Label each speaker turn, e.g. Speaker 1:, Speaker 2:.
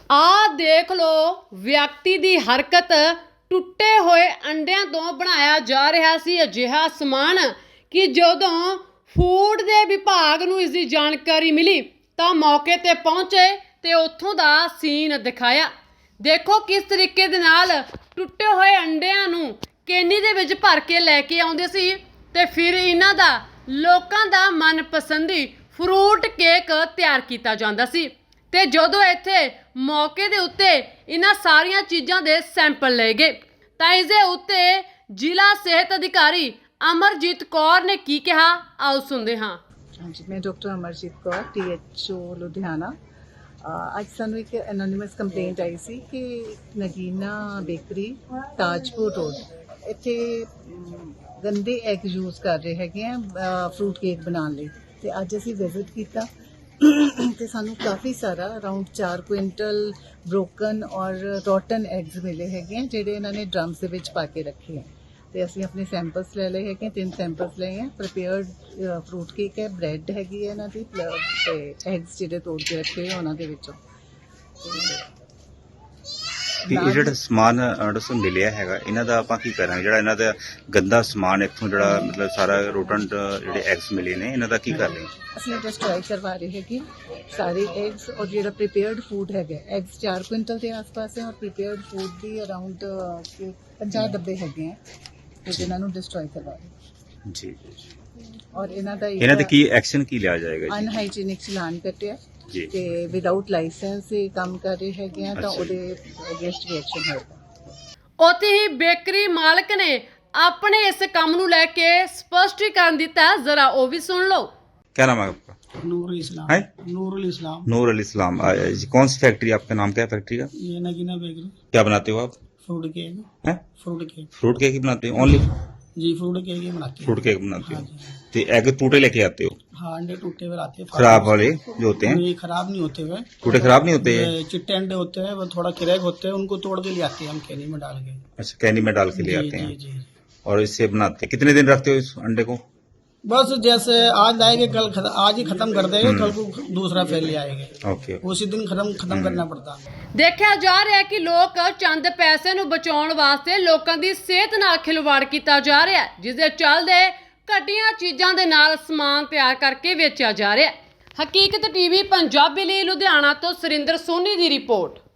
Speaker 1: ਆ ਦੇਖ ਲਓ ਵਿਅਕਤੀ ਦੀ ਹਰਕਤ। ਟੁੱਟੇ ਹੋਏ ਅੰਡਿਆਂ ਤੋਂ ਬਣਾਇਆ ਜਾ ਰਿਹਾ ਸੀ ਅਜਿਹਾ ਸਮਾਨ ਕਿ ਜਦੋਂ ਫੂਡ ਦੇ ਵਿਭਾਗ ਨੂੰ ਇਸ ਦੀ ਜਾਣਕਾਰੀ ਮਿਲੀ ਤਾਂ ਮੌਕੇ ਤੇ ਪਹੁੰਚੇ ਤੇ ਉੱਥੋਂ ਦਾ ਸੀਨ ਦਿਖਾਇਆ। ਦੇਖੋ ਕਿਸ ਤਰੀਕੇ ਦੇ ਨਾਲ ਟੁੱਟੇ ਹੋਏ ਅੰਡਿਆਂ ਨੂੰ ਕੇਨੀ ਦੇ ਵਿੱਚ ਭਰ ਕੇ ਲੈ ਕੇ ਆਉਂਦੇ ਸੀ ਤੇ ਫਿਰ ਇਹਨਾਂ ਦਾ ਲੋਕਾਂ ਦਾ ਮਨਪਸੰਦੀ ਫਰੂਟ ਕੇਕ ਤਿਆਰ ਕੀਤਾ ਜਾਂਦਾ ਸੀ। ਤੇ ਜਦੋਂ ਇੱਥੇ ਮੌਕੇ ਦੇ ਉੱਤੇ ਇਹਨਾਂ ਸਾਰੀਆਂ ਚੀਜ਼ਾਂ ਦੇ ਸੈਂਪਲ ਲਏ ਗਏ ਤਾਂ ਇਸ ਦੇ ਉੱਤੇ ਜ਼ਿਲ੍ਹਾ ਸਿਹਤ ਅਧਿਕਾਰੀ ਅਮਰਜੀਤ ਕੌਰ ਨੇ ਕੀ ਕਿਹਾ, ਆਓ ਸੁਣਦੇ ਹਾਂ।
Speaker 2: ਹਾਂਜੀ, ਮੈਂ ਡਾਕਟਰ ਅਮਰਜੀਤ ਕੌਰ THO ਲੁਧਿਆਣਾ। ਅੱਜ ਸਾਨੂੰ ਇੱਕ ਐਨੋਨਿਮਸ ਕੰਪਲੇਂਟ ਆਈ ਸੀ ਕਿ ਨਗੀਨਾ ਬੇਕਰੀ ਤਾਜਪੁਰ ਰੋਡ ਇੱਥੇ ਗੰਦੇ ਐਗ ਯੂਜ਼ ਕਰ ਰਹੇ ਹੈਗੇ ਆ ਫਰੂਟ ਕੇਕ ਬਣਾਉਣ ਲਈ। ਤੇ ਅੱਜ ਅਸੀਂ ਵਿਜ਼ਿਟ ਕੀਤਾ ਤੇ ਸਾਨੂੰ ਕਾਫੀ ਸਾਰਾ ਅਰਾਊਂਡ 4 ਕੁਇੰਟਲ ਬ੍ਰੋਕਨ ਔਰ ਰੋਟਨ ਐਗਸ ਮਿਲੇ ਹੈਗੇ ਆ ਜਿਹੜੇ ਇਹਨਾਂ ਨੇ ਡਰਮਸ ਦੇ ਵਿੱਚ ਪਾ ਕੇ ਰੱਖੇ ਆ। ਤੇ ਅਸੀਂ ਆਪਣੇ ਸੈਂਪਲਸ ਲੈ ਲਏ ਹੈਗੇ, 3 ਸੈਂਪਲਸ ਲਏ ਆ। ਪ੍ਰੀਪੇਅਰਡ ਫਰੂਟ ਕੇਕ ਹੈ, ਬ੍ਰੈਡ ਹੈਗੀ ਹੈ ਇਹਨਾਂ ਦੀ ਤੇ ਐਗਸ ਜਿਹੜੇ ਤੋੜ ਕੇ ਰੱਖੇ ਆ ਉਹਨਾਂ ਦੇ ਵਿੱਚੋਂ।
Speaker 3: ਇਹ ਜਿਹੜਾ ਸਮਾਨ ਦੱਸੋ ਮਿਲਿਆ ਹੈਗਾ ਇਹਨਾਂ ਦਾ ਆਪਾਂ ਕੀ ਕਰਾਂਗੇ? ਜਿਹੜਾ ਇਹਨਾਂ ਦਾ ਗੰਦਾ ਸਮਾਨ ਇੱਥੋਂ ਜਿਹੜਾ ਮਤਲਬ ਸਾਰਾ ਰੋਟੰਟ ਜਿਹੜੇ ਐਗਸ ਮਿਲੇ ਨੇ ਇਹਨਾਂ ਦਾ ਕੀ ਕਰ ਰਹੇ?
Speaker 2: ਅਸੀਂ ਡਿਸਟਰੋਏ ਕਰਵਾ ਰਹੇ ਹੈਗੇ ਸਾਰੇ ਐਗਸ ਔਰ ਜਿਹੜਾ ਪ੍ਰੀਪੇਅਰਡ ਫੂਡ ਹੈਗਾ। ਐਗਸ 4 ਕੁਇੰਟਲ ਦੇ ਆਸ-ਪਾਸ ਹੈ ਔਰ ਪ੍ਰੀਪੇਅਰਡ ਫੂਡ ਦੀ ਅਰਾਊਂਡ 50 ਡੱਬੇ ਹੈਗੇ ਆ ਤੇ ਜਿਨ੍ਹਾਂ ਨੂੰ ਡਿਸਟਰੋਏ ਕਰਵਾ ਰਹੇ
Speaker 3: ਜੀ।
Speaker 2: ਔਰ ਇਹਨਾਂ
Speaker 3: ਦੇ ਕੀ ਐਕਸ਼ਨ ਕੀ ਲਿਆ ਜਾਏਗਾ ਜੀ?
Speaker 2: ਅਨਹਾਈਜੀਨਿਕ ਚਲਾਨ ਕੱਟਿਆ
Speaker 3: ਜੀ
Speaker 2: ਤੇ ਵਿਦਆਊਟ ਲਾਇਸੈਂਸ ਇਹ ਕੰਮ ਕਰ ਰਹੇ ਹੈਗੇ ਆ ਤਾਂ
Speaker 3: ਅੱਛਾ
Speaker 2: ਉਹਦੇ ਅਗੇਂਸਟ ਵੀ ਐਕਸ਼ਨ ਹੋਏਗਾ।
Speaker 1: ਉੱਥੇ ਹੀ ਬੇਕਰੀ ਮਾਲਕ ਨੇ ਆਪਣੇ ਇਸ ਕੰਮ ਨੂੰ ਲੈ ਕੇ ਸਪਸ਼ਟੀਕਰਨ ਦਿੱਤਾ, ਜ਼ਰਾ ਉਹ ਵੀ ਸੁਣ ਲਓ।
Speaker 3: क्या नाम है आपका?
Speaker 4: नूरुल इस्लाम
Speaker 3: है
Speaker 4: नूरुल इस्लाम।
Speaker 3: नूर अल इस्लाम। कौन सी फैक्ट्री, आपका नाम क्या है फैक्ट्री का?
Speaker 4: ये नगीना बेकरी।
Speaker 3: क्या बनाते हो आप?
Speaker 4: Fruit cake.
Speaker 3: हैं
Speaker 4: फ्रूट केक।
Speaker 3: फ्रूट केक ही बनाते हो? ओनली
Speaker 4: जी फ्रूट केक ही बनाते हैं।
Speaker 3: फ्रूट केक बनाते
Speaker 4: हाँ
Speaker 3: हो?
Speaker 4: जी।
Speaker 3: तो एग टूटे लेके आते हो?
Speaker 4: हाँ, अंडे टूटे हुए आते हैं।
Speaker 3: खराब वाले जो होते हैं?
Speaker 4: ये खराब नहीं होते हुए,
Speaker 3: टूटे खराब नहीं होते हैं?
Speaker 4: ये चिट्टे अंडे होते हैं, वो थोड़ा क्रैक होते हैं, उनको तोड़ के ले आते हैं हम कैनी में डाल के।
Speaker 3: अच्छा, कैनी में डाल के ले
Speaker 4: जी,
Speaker 3: आते हैं
Speaker 4: जी, जी।
Speaker 3: और इससे बनाते हैं। कितने दिन रखते हो इस अंडे को?
Speaker 4: बस जैसे आज लाएंगे कल आज ही खत्म कर देंगे, कल को दूसरा फिर ले आएंगे।
Speaker 3: ओके।
Speaker 4: उसी दिन खत्म करना पड़ता है।
Speaker 1: ਦੇਖਿਆ ਜਾ ਰਿਹਾ ਹੈ ਕਿ ਲੋਕ ਚੰਦ ਪੈਸੇ ਨੂੰ ਬਚਾਉਣ ਵਾਸਤੇ ਲੋਕਾਂ ਦੀ ਸਿਹਤ ਨਾਲ ਖਿਲਵਾੜ ਕੀਤਾ ਜਾ ਰਿਹਾ ਹੈ, ਜਿਸ ਦੇ ਚੱਲਦੇ ਘਟੀਆਂ ਚੀਜ਼ਾਂ ਦੇ ਨਾਲ ਸਮਾਨ ਤਿਆਰ ਕਰਕੇ ਵੇਚਿਆ ਜਾ ਰਿਹਾ ਹੈ। ਹਕੀਕਤ ਟੀਵੀ ਪੰਜਾਬੀ ਲਈ ਲੁਧਿਆਣਾ ਤੋਂ ਸੁਰਿੰਦਰ ਸੋਨੀ ਦੀ ਰਿਪੋਰਟ।